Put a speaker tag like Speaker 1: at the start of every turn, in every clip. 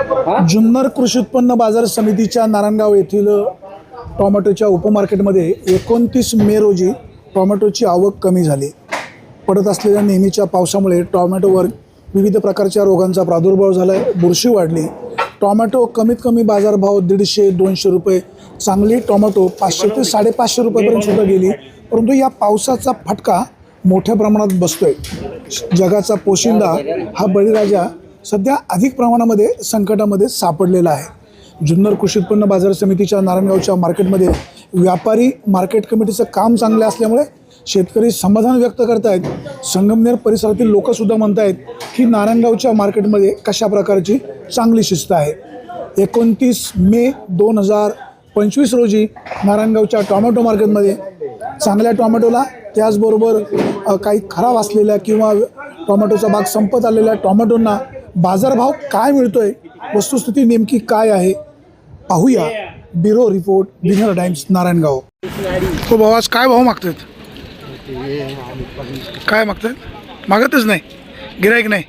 Speaker 1: जुन्नर कृषी उत्पन्न बाजार समितीच्या नारायणगाव येथील टोमॅटोच्या उपमार्केटमध्ये 29 मे रोजी टोमॅटोची आवक कमी झाली. पडत असलेल्या नेहमीच्या पावसामुळे टोमॅटोवर विविध प्रकारच्या रोगांचा प्रादुर्भाव झाला आहे. बुरशी वाढली. टोमॅटो कमीत कमी बाजारभाव 150-200 रुपये, चांगली टोमॅटो 500 ते 550 रुपयापर्यंत सुद्धा गेली. परंतु या पावसाचा फटका मोठ्या प्रमाणात बसतोय. जगाचा पोशिंदा हा बळीराजा सध्या अधिक प्रमाणामध्ये संकटामध्ये सापडलेला आहे. जुन्नर कृषी उत्पन्न बाजार समितीच्या नारायणगावच्या मार्केटमध्ये व्यापारी मार्केट कमिटीचं काम चांगलं असल्यामुळे शेतकरी समाधान व्यक्त करत आहेत. संगमनेर परिसरातील लोकसुद्धा म्हणत आहेत की नारायणगावच्या मार्केटमध्ये कशा प्रकारची चांगली शिस्त आहे. 29 मे 2025 रोजी नारायणगावच्या टोमॅटो मार्केटमध्ये चांगल्या टोमॅटोला त्याचबरोबर काही खराब असलेल्या किंवा टोमॅटोचा बाग संपत आलेल्या टोमॅटोंना बाजारभाव काय मिळतोय, वस्तुस्थिती नेमकी काय आहे पाहूया. Bureau report, winner times, Narayangaon. तो भाऊ आज काय भाव मागतात? काय मागतात? मागतच नाही, गिराईक नाही.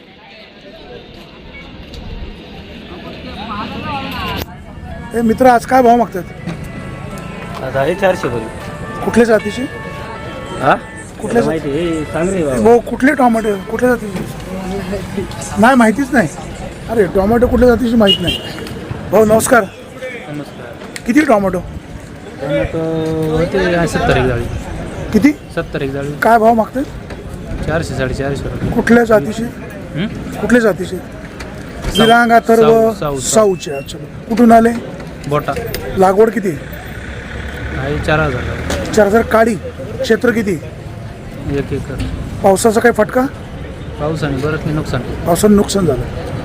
Speaker 1: हे मित्र आज काय भाव मागतात?
Speaker 2: 400 बोल.
Speaker 1: कुठल्या जातीचे? कुठल्या भाऊ कुठले टोमॅटो कुठल्या जातीचे? नाही माहितीच नाही. अरे टोमॅटो कुठल्या जातीची माहीत नाही. भाऊ नमस्कार.
Speaker 2: नमस्कार.
Speaker 1: किती टोमॅटो?
Speaker 2: टोमॅटो होते 70 एक जाळी.
Speaker 1: किती?
Speaker 2: 70 एक जाळी.
Speaker 1: काय भाव मागतात?
Speaker 2: 400-450 रुपये.
Speaker 1: कुठल्या जातीचे? कुठल्या जातीचे? विरांग, अथर्व, साऊचे. अच्छा, कुठून आले?
Speaker 2: बोटा.
Speaker 1: लागवड किती?
Speaker 2: 4000.
Speaker 1: 4000. काडी क्षेत्र किती?
Speaker 2: 1 एकर.
Speaker 1: पावसाचा काही फटका?
Speaker 2: पावसाने बरंच मी नुकसान.
Speaker 1: पावसानं नुकसान झालं.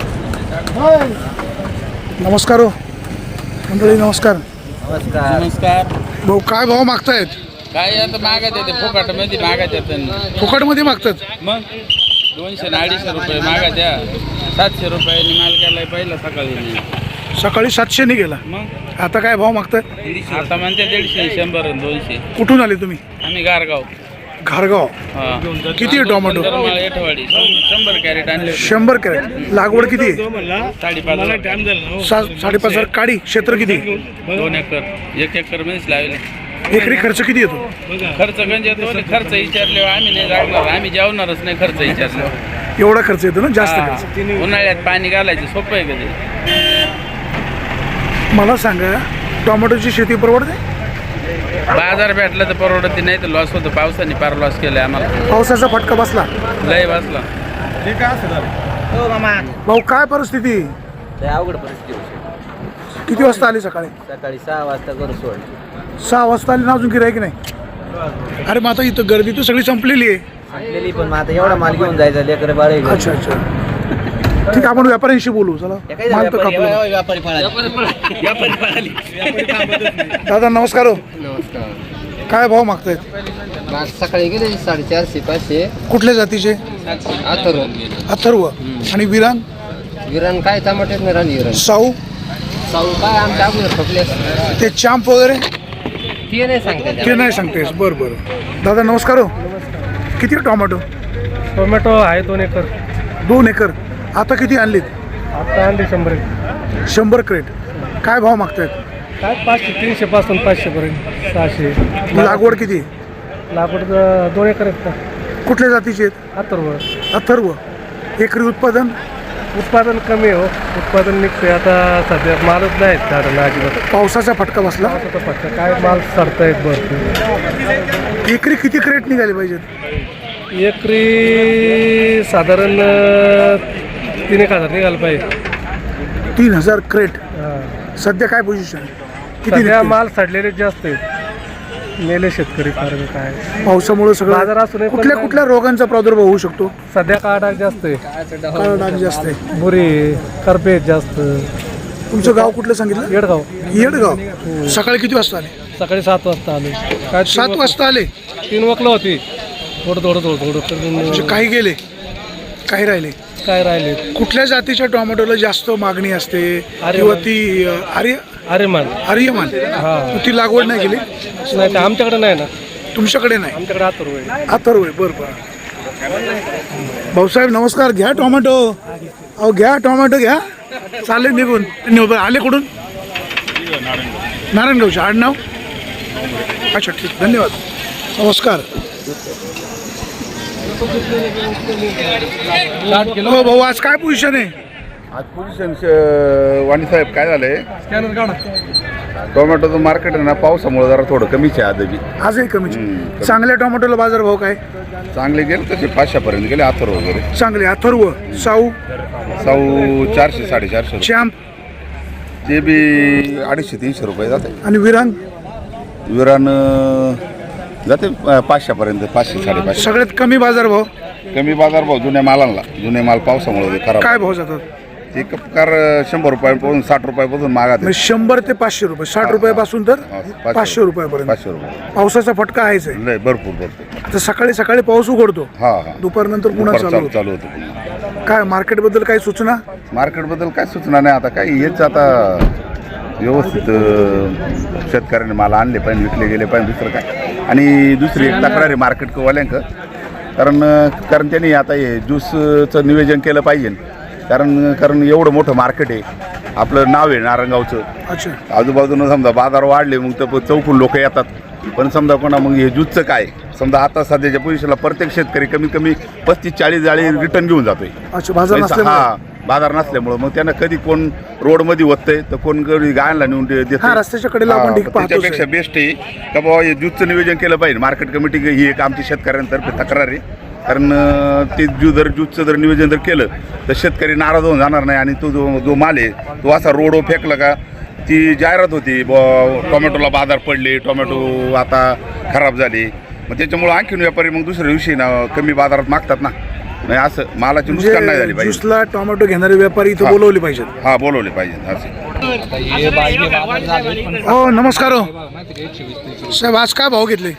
Speaker 1: नमस्कार हो मंडळी, नमस्कार.
Speaker 2: नमस्कार.
Speaker 1: भाऊ काय भाव मागतायत?
Speaker 3: काय आता मागत येते फुकटमध्ये मागत येते.
Speaker 1: फुकटमध्ये मागतात?
Speaker 3: मग 200-250 रुपये मागत द्या. 700 रुपयांनी माल गेलाय पहिला सकाळी.
Speaker 1: सकाळी 700 नि गेला.
Speaker 3: मग
Speaker 1: आता काय भाव मागतात?
Speaker 3: आता म्हणते 150, 100 आणि 200.
Speaker 1: कुठून आले तुम्ही?
Speaker 3: आम्ही गारगाव.
Speaker 1: घारगाव. किती आहे टोमॅटो?
Speaker 3: एठवाडी 100 कॅरेट आणले.
Speaker 1: 100 कॅरेट. लागवड किती आहे?
Speaker 3: 5.5.
Speaker 1: 5.5 काडी क्षेत्र किती?
Speaker 3: 2 एकर. 1 एकर मध्येच लावले.
Speaker 1: एकरी खर्च किती येतो?
Speaker 3: खर्च गंज येतो. खर्च विचारल्यावर आम्ही नाही जागणार, आम्ही जेवणारच नाही. खर्च विचारल्यावर
Speaker 1: एवढा खर्च येतो ना? जास्त खर्च.
Speaker 3: उन्हाळ्यात पाणी घालायचं सोपं आहे कधी.
Speaker 1: मला सांगा, टोमॅटोची शेती परवडते?
Speaker 3: बाजार भेटला तर परवडत नाही, तर लॉस होतो. पावसाने फार लॉस केलाय आम्हाला.
Speaker 1: पावसाचा फटका बसला,
Speaker 3: लय बसला.
Speaker 1: भाऊ काय परिस्थिती?
Speaker 2: अवघड परिस्थिती.
Speaker 1: किती वाजता आली? सकाळी
Speaker 2: 6 वाजता करू सोड.
Speaker 1: 6 वाजता आली ना, अजून गिराईक नाही? अरे मग आता इथं गर्दी तर सगळी संपलेली आहे.
Speaker 2: आणलेली पण मग आता एवढा माल घेऊन जायचा लेकर बाळे.
Speaker 1: अच्छा अच्छा, ठीक. आपण व्यापाऱ्यांशी बोलू. चला, माल तर कापला. दादा नमस्कार हो.
Speaker 2: नमस्कार.
Speaker 1: काय भाव मागतायत?
Speaker 2: सकाळी गेले 450-500.
Speaker 1: कुठल्या जातीचे? अथर्व. आणि विरान?
Speaker 2: विरान काय टमाटे नाही राणी. विरान
Speaker 1: साऊ
Speaker 2: काय आमच्या अगोदर ठोकले.
Speaker 1: ते चांप वगैरे
Speaker 2: ते नाही सांगते.
Speaker 1: ते नाही सांगतेस? बरं बरं. दादा नमस्कार हो. किती टोमॅटो?
Speaker 4: टोमॅटो आहे 2 एकर.
Speaker 1: 2 एकर. आता किती आणलीत?
Speaker 4: आता आणली 100.
Speaker 1: 100 क्रेट. काय भाव मागतायत?
Speaker 4: काय 500, 300 पासून 500 पर्यंत. 600.
Speaker 1: लागवड किती?
Speaker 4: लागवड 2 एकर आहेत का?
Speaker 1: कुठल्या जातीचे आहेत? अथर्व. एकरी उत्पादन
Speaker 4: कमी आहे हो. उत्पादन निघते आता सध्या. मालच नाही झाडाला अजिबात.
Speaker 1: पावसाचा फटका बसला.
Speaker 4: फक्त काय माल सडतायत भरपूर.
Speaker 1: एकरी किती क्रेट निघाले पाहिजेत?
Speaker 4: एकरी साधारण 3,000 निघालं पाहिजे.
Speaker 1: 3000 क्रेट. सध्या काय पोझिशन? किती
Speaker 4: सध्या
Speaker 1: निघते?
Speaker 4: माल सडलेले जास्त आहेत. मेले शेतकरी फार. काय
Speaker 1: पावसामुळे सगळं
Speaker 4: बाजार असून
Speaker 1: कुठल्या रोगांचा प्रादुर्भाव होऊ शकतो?
Speaker 4: सध्या काळा डाग जास्त आहे.
Speaker 1: काळा डाग जास्त आहे.
Speaker 4: बुरी करपे जास्त.
Speaker 1: तुमचं गाव कुठलं सांगितलं?
Speaker 4: येडगाव.
Speaker 1: येडगाव. सकाळी किती वाजता आले?
Speaker 4: सकाळी 7 वाजता आले. काय
Speaker 1: 7 वाजता आले?
Speaker 4: 3 वकलं होती. थोडं
Speaker 1: म्हणजे काही गेले, काही राहिले.
Speaker 4: काय राहिले?
Speaker 1: कुठल्या जातीच्या टोमॅटोला जास्त मागणी असते? किंवा ती
Speaker 4: आर्यमान.
Speaker 1: हा, ती लागवड नाही केली?
Speaker 4: नाही, आमच्याकडे नाही ना.
Speaker 1: तुमच्याकडे नाही?
Speaker 4: आमच्याकडे अथर्व आहे.
Speaker 1: अथर्व आहे. बरं बरं. भाऊसाहेब नमस्कार. घ्या टोमॅटो. अहो घ्या टोमॅटो घ्या. चालले निघून आले कुठून? नारायणगावचे. आडनाव? अच्छा ठीक, धन्यवाद. नमस्कार. हो भाऊ, आज काय पोझिशन आहे?
Speaker 5: आज पोझिशन वाणीसाहेब काय झालंय, टोमॅटोचं मार्केट आहे ना पावसामुळे जरा थोडं कमीच आहे आजही.
Speaker 1: आजही कमी. चांगल्या टोमॅटोला बाजार भाव काय?
Speaker 5: चांगले गेले तसे 500 पर्यंत गेले. अथर्व वगैरे
Speaker 1: चांगले. अथर्व. साऊ?
Speaker 5: साऊ 400 450.
Speaker 1: चॅम्प?
Speaker 5: ते बी 250-300 रुपये जाते.
Speaker 1: आणि विरांग?
Speaker 5: विरान जाते 500 पर्यंत, 500-550.
Speaker 1: सगळ्यात कमी बाजार भाव?
Speaker 5: कमी बाजार भाव जुन्या मालांना. जुने माल पावसामुळे खराब.
Speaker 1: काय भाव जातात?
Speaker 5: ते कपकार 100 रुपयापासून 60 रुपयापासून मागात.
Speaker 1: म्हणजे 100 ते 500 रुपये. 60 रुपयापासून तर 500 रुपयापर्यंत.
Speaker 5: 500 रुपये.
Speaker 1: पावसाचा फटका आहेच आहे.
Speaker 5: लय भरपूर.
Speaker 1: तर सकाळी सकाळी पाऊस उघडतो,
Speaker 5: हा.
Speaker 1: दुपारनंतर पुन्हा चालू होतो.
Speaker 5: चालू होतं.
Speaker 1: काय मार्केटबद्दल काही सूचना?
Speaker 5: मार्केटबद्दल काय सूचना नाही. आता काय हेच आता व्यवस्थित शेतकऱ्यांनी माल आणले पाहिजे, विकले गेले पाहिजे, दुसरं काय. आणि दुसरी एक तक्रार आहे मार्केटवाल्यांक, कारण त्यांनी आता हे ज्यूसचं नियोजन केलं पाहिजे. कारण एवढं मोठं मार्केट आहे, आपलं नाव आहे नारायणगावचं.
Speaker 1: अच्छा.
Speaker 5: आजूबाजूनं समजा बाजार वाढले मग तर चौकून लोक येतात. पण समजा कोणा मग हे ज्यूसचं काय, समजा आता सध्याच्या पोझिशनला प्रत्येक शेतकरी कमीत कमी 35-40 जाळी रिटर्न घेऊन जातोय.
Speaker 1: अच्छा. बाजार
Speaker 5: पैसा,
Speaker 1: नसल्यामुळे?
Speaker 5: हा, बाजार नसल्यामुळं मग त्यांना कधी कोण रोडमध्ये होतंय तर कोण कधी गायला नेऊन देते.
Speaker 1: हा, रस्त्याच्या कडेला आपण ठीक पाहतोच आहे.
Speaker 5: त्याच्यापेक्षा बेस्ट आहे का बाबा हे ज्यूसचं नियोजन केलं पाहिजे. मार्केट कमिटी ही एक आमची शेतकऱ्यांतर्फे तक्रार आहे. कारण ते ज्यूसचं जर नियोजन जर केलं तर शेतकरी नाराज होऊन जाणार नाही. आणि तो जो माल आहे तो असा रोडवर फेकला का ती जाहिरात होती टोमॅटोला बाजार पडले, टोमॅटो आता खराब झाले. मग त्याच्यामुळं आणखीन व्यापारी मग दुसऱ्या दिवशी ना कमी बाजारात मागतात ना. नाही असं मालाची नुकसान नाही झाली पाहिजे.
Speaker 1: ज्यूसला टोमॅटो घेणारे व्यापारी इथं बोलवले पाहिजेत.
Speaker 5: हा, बोलवले पाहिजे असे.
Speaker 1: हो नमस्कार. हो साहेब, आज काय भाव घेतले?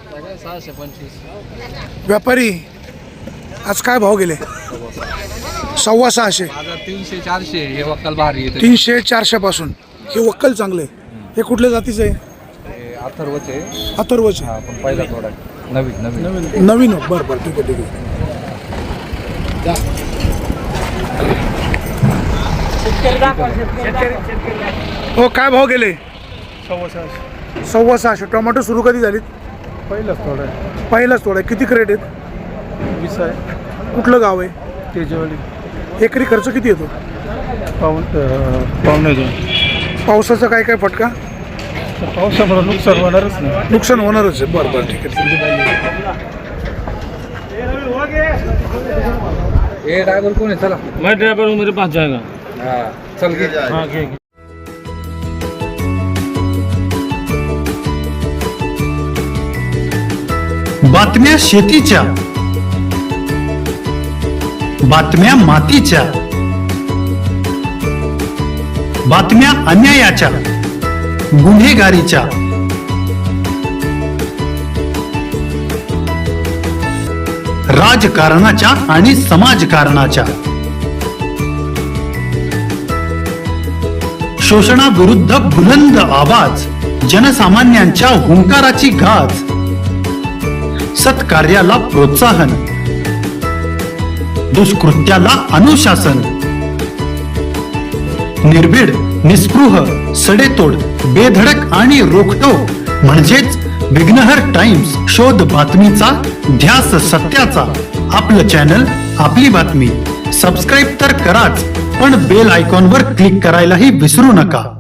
Speaker 2: 625.
Speaker 1: व्यापारी आज काय भाव गेले? 650.
Speaker 6: 300-400 हे वक्कल भारी येते.
Speaker 1: 300-400 पासून हे वक्कल चांगले. हे कुठल्या जातीचं आहे?
Speaker 6: अथर्वचे.
Speaker 1: अथर्वचे.
Speaker 6: हा, पण पहिला थोडा नवीन.
Speaker 1: नवीन. बरं ठीक आहे. हो काय भाव गेले? 650. टोमॅटो सुरू कधी झालीत? पहिलाच थोडा. किती क्रेट आहेत?
Speaker 4: 20 आहे.
Speaker 1: कुठलं गाव आहे?
Speaker 4: तेजवाडी.
Speaker 1: एकरी खर्च किती येतो?
Speaker 4: पावणे 2.
Speaker 1: पावसाचा काय काय फटका?
Speaker 4: पावसामुळे नुकसान होणारच नाही.
Speaker 1: नुकसान होणारच आहे. बरं ठीक आहे.
Speaker 6: ये ड्राइवर कौन है? चला
Speaker 4: मैं ड्राइवर हूँ, मेरे पास जाएगा.
Speaker 6: हाँ चल के.
Speaker 4: हाँ घे.
Speaker 7: बातम्या शेतीच्या, बातम्या मातीच्या, बातम्या अन्यायाच्या, गुन्हेगारीच्या, राजकारणाच्या आणि समाजकारणाच्या, शोषणाविरुद्ध बुलंद आवाज, जनसामान्यांच्या हुंकाराची गाज, सत्कार्याला प्रोत्साहन, दुष्कृत्याला अनुशासन, निर्भीड, निस्पृह, सडेतोड, बेधडक आणि रोखठोक म्हणजेच विघ्नहर टाइम्स. शोध बातमीचा, ध्यास सत्याचा. आपलं चॅनल, आपली बातमी. सबस्क्राईब तर कराच, पण बेल आयकॉनवर क्लिक करायलाही विसरू नका.